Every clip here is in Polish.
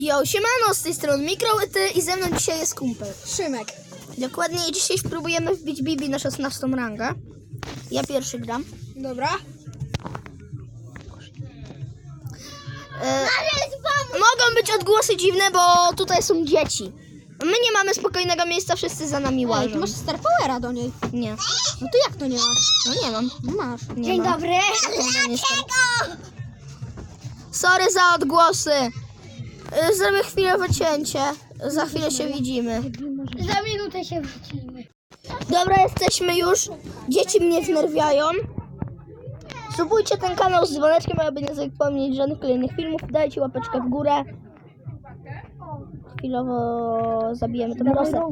Jo, siemano, z tej strony Mikrołyty i ze mną dzisiaj jest kumpel Szymek. Dokładnie dzisiaj spróbujemy wbić Bibi na 16 rangę. Ja pierwszy gram. Dobra. Mogą być odgłosy dziwne, bo tutaj są dzieci. My nie mamy spokojnego miejsca, wszyscy za nami Ej, ty łażą. masz Star Powera do niej. Nie, No to jak to nie masz? no nie mam. No masz. Nie Dzień mam. dobry. Sorry za odgłosy. Zrobię chwilowe cięcie. Za chwilę się widzimy. Za minutę się wrócimy. Dobra, jesteśmy już. Dzieci mnie wnerwiają. Subujcie ten kanał z dzwoneczkiem, aby nie zapomnieć żadnych kolejnych filmów. Dajcie łapeczkę w górę. Chwilowo zabijemy tą Rozę.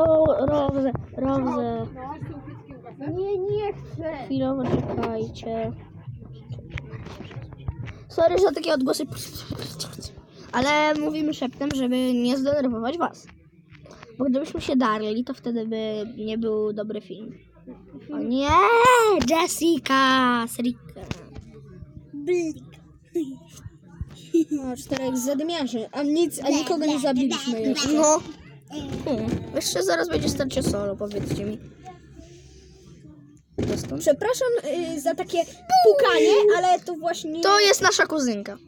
Rozę. Nie chcę. Chwilowo czekajcie. Sorry za takie odgłosy. Ale mówimy szeptem, żeby nie zdenerwować was. Bo gdybyśmy się darli, to wtedy by nie był dobry film. O nie! Jessica! Serika. No, 4 zadymiarzy. A nikogo nie zabiliśmy jeszcze. No. Jeszcze zaraz będzie starcie solo, powiedzcie mi. Przepraszam za takie pukanie, ale to właśnie... To jest nasza kuzynka.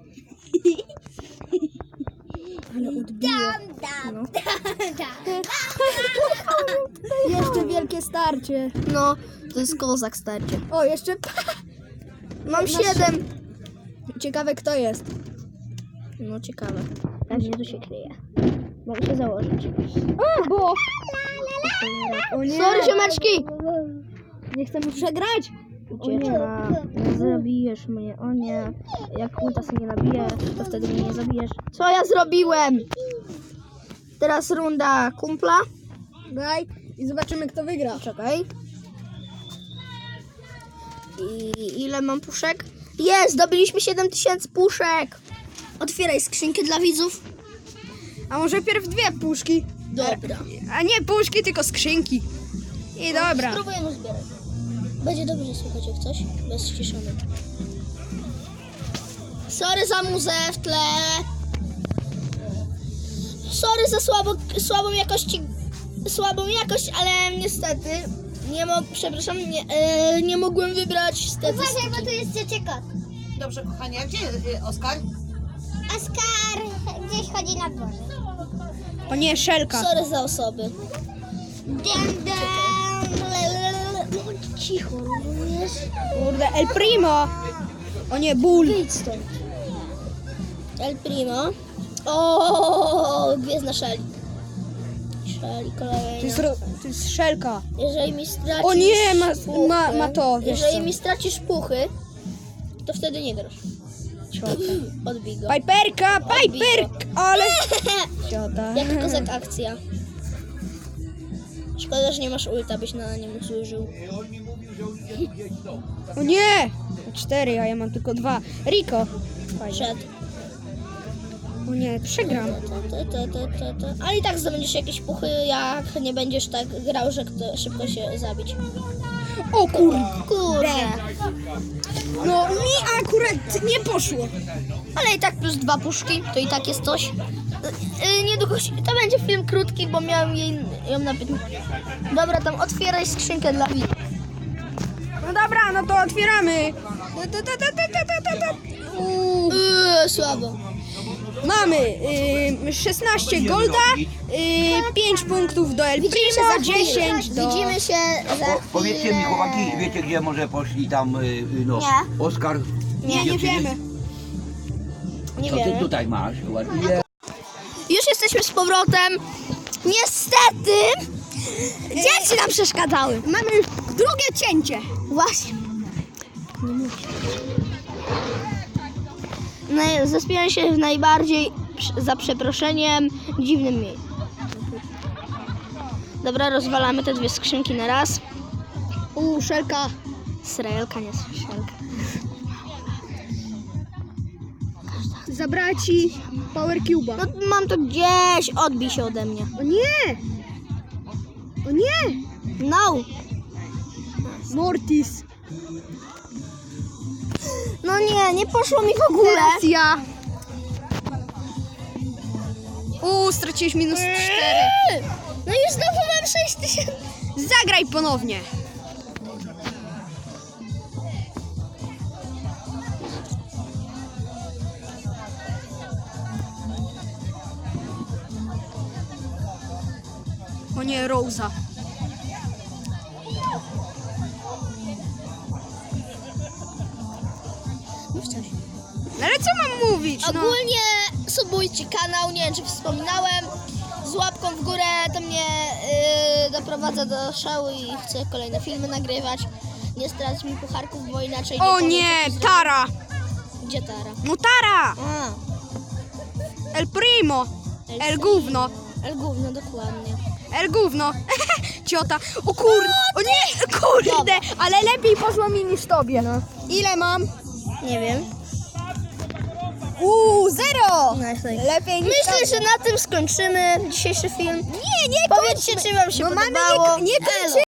Ale odbiło. No. Jeszcze wielkie starcie. No, to jest kozak starcie. O, jeszcze... Mam 7. Ciekawe kto jest. No ciekawe. Pewnie tu się kryje. Mogę się założyć. O, bo... O nie. Sorry, ziomeczki! Nie chcemy przegrać. Ucieczka. Nie zabijesz mnie. O nie. Jak ulta sobie nie nabije, to wtedy mnie nie zabijesz. Co ja zrobiłem? Teraz runda kumpla. Daj i zobaczymy kto wygra. Czekaj. I ile mam puszek? Jest! Zdobyliśmy 7000 puszek! Otwieraj skrzynkę dla widzów. A może pierw 2 puszki? Dobra. A nie puszki, tylko skrzynki. I dobra. Spróbujemy zbierać. Będzie dobrze słychać jak coś. Bez ściszony. Sorry za muzę w tle. Sorry za słabą jakość, ale niestety przepraszam, nie mogłem wybrać statystyki. Uważaj, bo tu jest cieciekot. Dobrze, kochanie, a gdzie jest Oskar? Oskar gdzieś chodzi na dworze. O nie, szelka. Sorry za osoby. Cicho, rozumiesz? Kurde, El Primo. O nie, ból. Wyjdź stąd. El Primo. O, gwiezdna Shelly. Shelly kolejna. To jest szelka. Jeżeli mi stracisz O nie, puchy, ma to, wiesz jeżeli co. mi stracisz puchy, to wtedy nie grasz. Odbij go. Piperka, ale... Ciota. Jaka kozak akcja. Szkoda, że nie masz ulta, byś na nim zużył. O nie! 4, a ja mam tylko 2. Rico. Fajnie. Przed. O nie, przegram. Ale i tak zdobędziesz jakieś puchy, jak nie będziesz tak grał, że szybko się zabić. O kurde. Kurde. No mi akurat nie poszło. Ale i tak plus 2 puszki, to i tak jest coś. Niedługo to będzie film krótki, bo miałem ją na 15. Dobra, tam otwieraj skrzynkę dla widzów. No dobra, no to otwieramy. Słabo. Mamy 16 golda, 5 punktów do El Widzimy się Primo, za chwilę. 10 do... Widzimy się za Powiedzcie mi, chłopaki, wiecie gdzie może poszli tam, no, Nie. Oskar? Nie wiemy. Nie Co ty wiemy. tutaj masz? Ładnie. Już jesteśmy z powrotem. Niestety dzieci nam przeszkadzały. Mamy już drugie cięcie. Właśnie. No, zaspiałem się w najbardziej, za przeproszeniem, dziwnym miejscu. Dobra, rozwalamy te 2 skrzynki na raz. Szelka. Srelka, nie szelka. Zabrała ci Power Cube'a. No mam to gdzieś, odbij się ode mnie. O nie! O nie! No. Mortis. No nie poszło mi w ogóle. Teraz ja. straciłeś minus 4. No i znowu mam 6000. Zagraj ponownie. O nie, Rosa. Ale co mam mówić? No. Ogólnie subujcie kanał, nie wiem czy wspominałem. Z łapką w górę to mnie doprowadza do szału i chcę kolejne filmy nagrywać. Nie strać mi pucharków, bo inaczej O powiem, nie, co ci Tara. zrobię. Gdzie Tara? No Tara. A, El Primo. El Gówno. El gówno, dokładnie. El Gówno. Ciota. O kurde. O nie, kurde. Dobra. Ale lepiej poszło mi niż tobie. No. Ile mam? Nie wiem. 0. Lepiej niż Myślę, tobie. że na tym skończymy dzisiejszy film. Nie, Powiedzcie, czy wam się No mamy podobało. nie Elo. kończymy.